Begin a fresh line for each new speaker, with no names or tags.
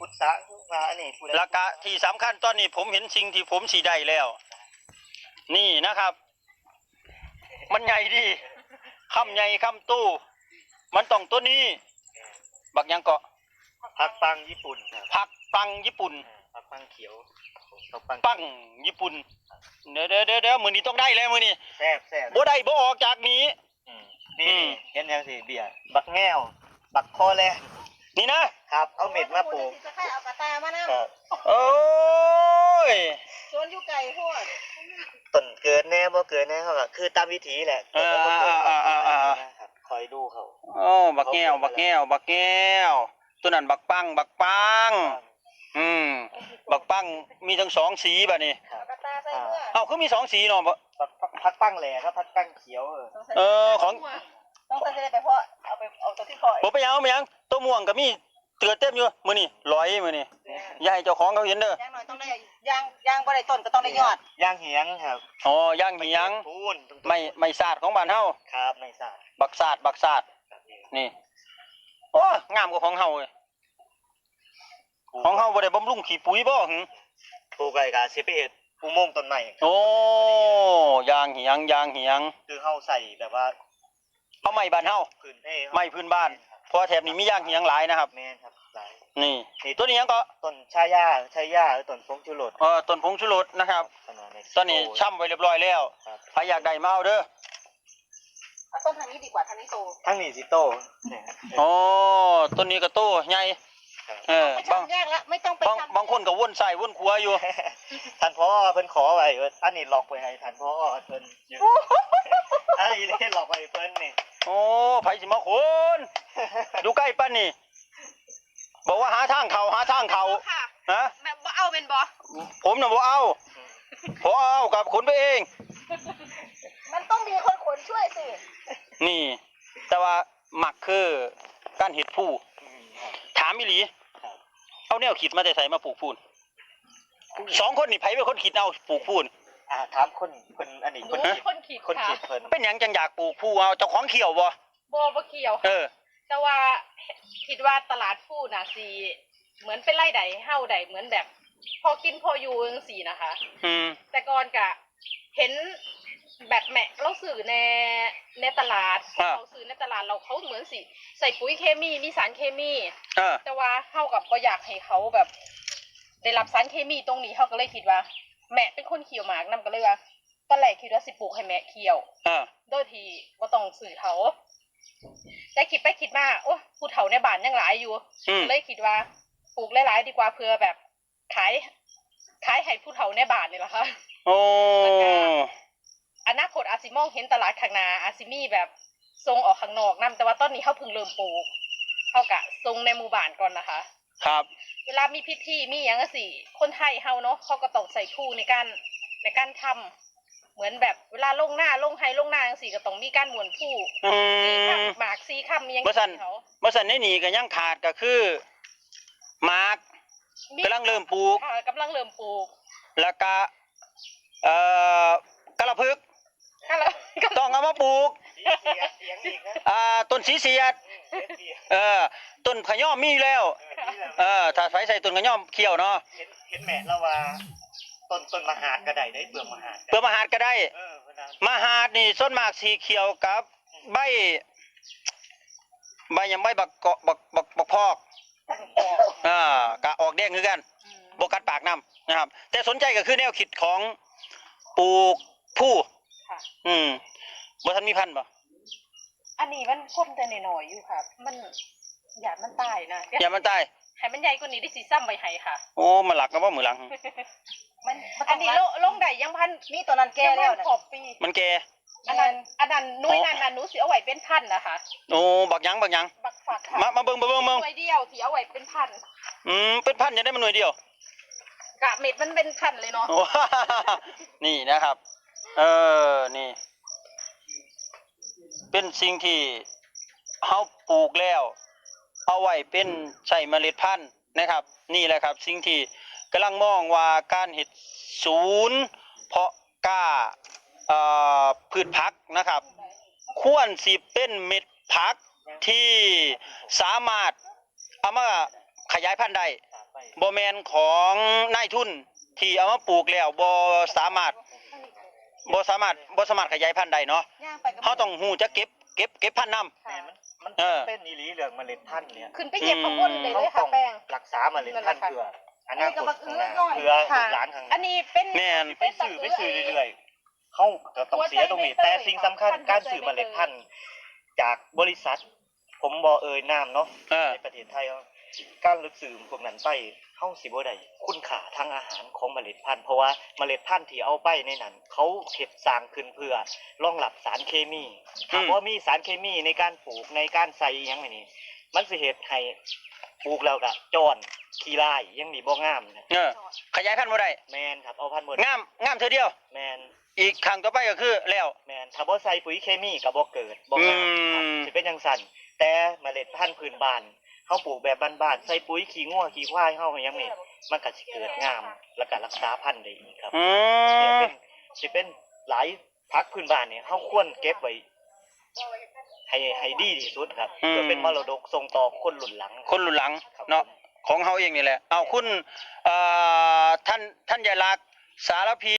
พุทธะว่าอันนี้
ราคาที่สำคัญตอนนี้ผมเห็นสิ่งที่ผมสีได้แล้ว นี่นะครับ มันใหญ่ดีคำใหญ่คำตู้มันต้องตัวนี้บักยังเกาะ
ผักปังญี่ปุ่น
ผักปังญี่ปุ่น
ผักปังเขียว
ปังญี่ปุ่นเดี๋ยวมือนี้ต้องได้แล้วมือนี้
แซ่บ
บ่ได้บ่ออกจากนี้
นี่เห็นยังสิเบียร์บักแง่วบักคอแล
นี่นะครับ
เอาเม็ดมาปลูก
จะให้เอากระตามานั่ง
โอ้ย
ชวนอยู่ไก่พวก
ต้นเกิดแน่บ่เกิดแน่เขาก็คือตามวิถีแหละคอยดูเขา
โอ้บักแก้วตัวนั้นบักปังบักปังมีทั้ง2สีบัดนี้คือมี2สีเนาะ
ผักปังแหล่ครับผักปังเขียว
ของ
ต้องใส่ไปเพราะเอาตัวที่พอ
บ่ไปยังตัวม่วงก็มีเตือเต็มอยู่มื้อนี้ร้อยมื้อนี้อย่าให้เจ้าของเขาเห็นเด้
อย่างน้อยต้องได้ย่างบ่ได้ต้นก็ต้องได้ยอด
ย่างเหียงครับ
ย่างเหียงไม่สาดของบ้านเฮา
ครับไม่สาด
บักสาดนี่โอ้งามกว่าของเฮาเลยของเฮาบ่ได้บำรุงขี้ปุ๋ยบ่หึ
ปลูกไว้ก็สิไปเฮ็ดอุโมงค์ต้นไม้
ย่างเหียง
คือเฮาใส่แบบว่า
เอาไม้บ้านเฮาไม้พื้นบ้านเพราะแถบนี้มีย่างเหียงหลายนะครับ
แม่นครับหลาย
นี่ตัวนี้ยังก็
ต้นชายาหรือต้นผงชูรส
ต้นผงชูรสนะครับตอนนี้ช่ำไว้เรียบร้อยแล้วใครอยากได้มาเอาเด้อ
ต้นทางนี้ดีกว่าทางนี้โต
ทางนี้สิโต
ต้นนี้ก็โตใหญ่บางคนก็วนใส่วนขวาอยู่
ท่านพ่อเพิ่นขอไว้อันนี้ล็อกไว้ให้ท่านพ่อเพิ่นอันนี้เล่นล็อกไว้เพิ่นนี่
ไผสิมาคนดูใกล้ปั้นนี่บอกว่าหาทางเขาฮะ
แบบบ่เอาเป็นบ่
ผมน่ะบ่เอาพอเอากับขนไปเอง
มันต้องมีคนขนช่วยสิ
นี่แต่ว่าหมักคือการเห็ดผู้ถามอีหลีเอาแนวขีดมาแต่ใส่มาปลูกพูน2คนนี่ไผเป็นคนขีดเอาปลูกพูน
ถามคนอันนี้
คนขีดเ
พิ่นเป็นหยังจังอยากปลูกผู้เอาเจ้าของเขียวบ่
เขียวแต่ว่าคิดว่าตลาดผู้น่ะสิเหมือนเป็นไร่ใดเฮาใดเหมือนแบบพอกินพออยู่จังซี่นะคะแต่ก่อนก็เห็นแบบแม่เราซื้อในตลาดเราซื้อในตลาดเราเขาเหมือนสิใส่ปุ๋ยเคมีมีสารเคมีแต่ว่าเฮากับบ่อยากให้เขาแบบได้รับสารเคมีตรงนี้เฮาก็เลยคิดว่าแม่เป็นคนเขียวหมากนำก็เลยว่าตอนแรกคิดว่าสิปลูกให้แม่เขียวโดยที่บ่ต้องซื้อเขาแต่คิดไปคิดมาโอ้ผู้เฒ่าในบ้านยังหลายอยู่เลยคิดว่าปลูกหลายๆดีกว่าเพื่อแบบขายให้ผู้เฒ่าในบ้านนี่แหละค่ะอนาคตอาซิมองเห็นตลาดข้างหน้าอาซิมีแบบส่งออกข้างนอกนำแต่ว่าตอนนี้เฮาเพิ่งเริ่มปลูกเฮากะส่งในหมู่บ้านก่อนนะคะ
ครับ
เวลามีพิธีมีหยังจังซี่คนไทยเฮาเนาะเขาก็ต้องใส่ทูในการทำเหมือนแบบเวลาลงหน้าลงไห้ลงหน้าจังซี่ก็ต้องมีการหมุนผู้4ค่ำหมาก4ค่ำมีหยัง
บ่ซั่นในนี่ก็ยังขาดก็คือหมากกำลังเริ่มปลูกแล้วก็กระพึกต้องเอามาปลูกต้นสีเสียดต้นขย่อมมีแล้วถ้าใส่ต้นขย่อมเขียวเนาะ
เห็นแม่แล้วว่าต้นมหาดก็ได้เปลือกมหาด
ก็ได้มหาดนี่ต้นหมากสีเขียวกับใบยังใบบักพอกกะออกแดงคือกันบกัดปากน้ำนะครับแต่สนใจก็คือแนวคิดของปลูกผู้บ่ทันมีพันธุ์บ่
อันนี้มันคมแต่น้อยๆอยู่ค่ะมันหยาดมันตายนะ
หยาดมันตาย
ให้มันใหญ่กว่านี้ได้สิซ้ำไว้ให้ค่ะ
มันหลักนะบ่มือหลัง
อันนี้ลงได้ยังพันมีตัวนั้นแก่แล้วนะ
มันแก่
อันนั้นนุ้ยนั่นหนูสิเอาไว้เป็นพันนะคะ
บักยังบักฝักค่ะมาเบิ่งห
น่วยเดียวที่เอาไว้เป็นพัน
เป็นพันจะได้มันหน่วยเดียว
กะเม็ดมันเป็นพันเลยเนาะ
นี่นะครับนี่เป็นสิ่งที่เฮาปลูกแล้วเอาไว้เป็นใช้เมล็ดพันธุ์นะครับนี่แหละครับสิ่งที่กำลังมองว่าการเฮ็ดศูนย์เพาะกล้าพืชผักนะครับควรสิเป็นเม็ดผักที่สามารถเอามาขยายพันธุ์ได้บ่แม่นของนายทุนที่เอามาปลูกแล้วบ่สามารถขยายพันธุ์ได้เนาะเฮาต้องฮู้จักเก็บพันธุ์นำ
แม่มันเป็นอีหลีเรื่องเมล็ดพันธุ์เนี่ย
ขึ้นไปเหยียบข้างบนเลยเลยค่ะแป้ง
รักษาเมล็ดพันธุ์เพื่ออนาคตข้างหน้าเพื่อลูกหลานข้างห
อั
น้าน
นี้เป็น
แม่น
ไปซื้อเรื่อยๆเขาก็ต้องเสียตรงนี้แต่สิ่งสำคัญการซื้อเมล็ดพันธุ์จากบริษัท ผมบ่เอ่ยนามเนาะในประเทศไทยการลึกซื้อพวกนั้นไปเฮาสิบ่ได้คุณค่าทางอาหารของเมล็ดพันธุ์เพราะว่าเมล็ดพันธุ์ที่เอาไปในนั้นเขาเฮ็ดสร้างขึ้นเพื่อรองรับสารเคมีถ้าบ่มีสารเคมีในการปลูกในการใส่อิหยังไงนี่มันสิเฮ็ดให้ปลูกแล้วก็จอนขี้ลายยังนี่บ่งามนะ
ขยายพันธุ์บ่ได้
แม่นครับเอาพันธุ์บ่
งามเทื่อเดียว
แม่น
อีกครั้งต่อไปก็คือแล้ว
แม่นถ้าบ่ใส่ปุ๋ยเคมีก็บ่เกิดบ่งามครับสิเป็นจังซั่นแต่เมล็ดพันธุ์พื้นบ้านเฮาปลูกแบบบ้านๆใส่ปุ๋ยขี้งัวขี้ควายเฮาก็ยังนี่มันก็สิเกิดงามแล้วก็รักษาพันธุ์ได้อีกครับเนี่ยเป็นหลายผักพื้นบ้านเนี่ยเฮาควรเก็บไว้ให้ดีที่สุดครับเพื่อเป็นมรดกส่งต่อคนรุ่นหลัง
เนาะของเฮาเองนี่แหละเอาคุณท่านยายลักษณ์สารพี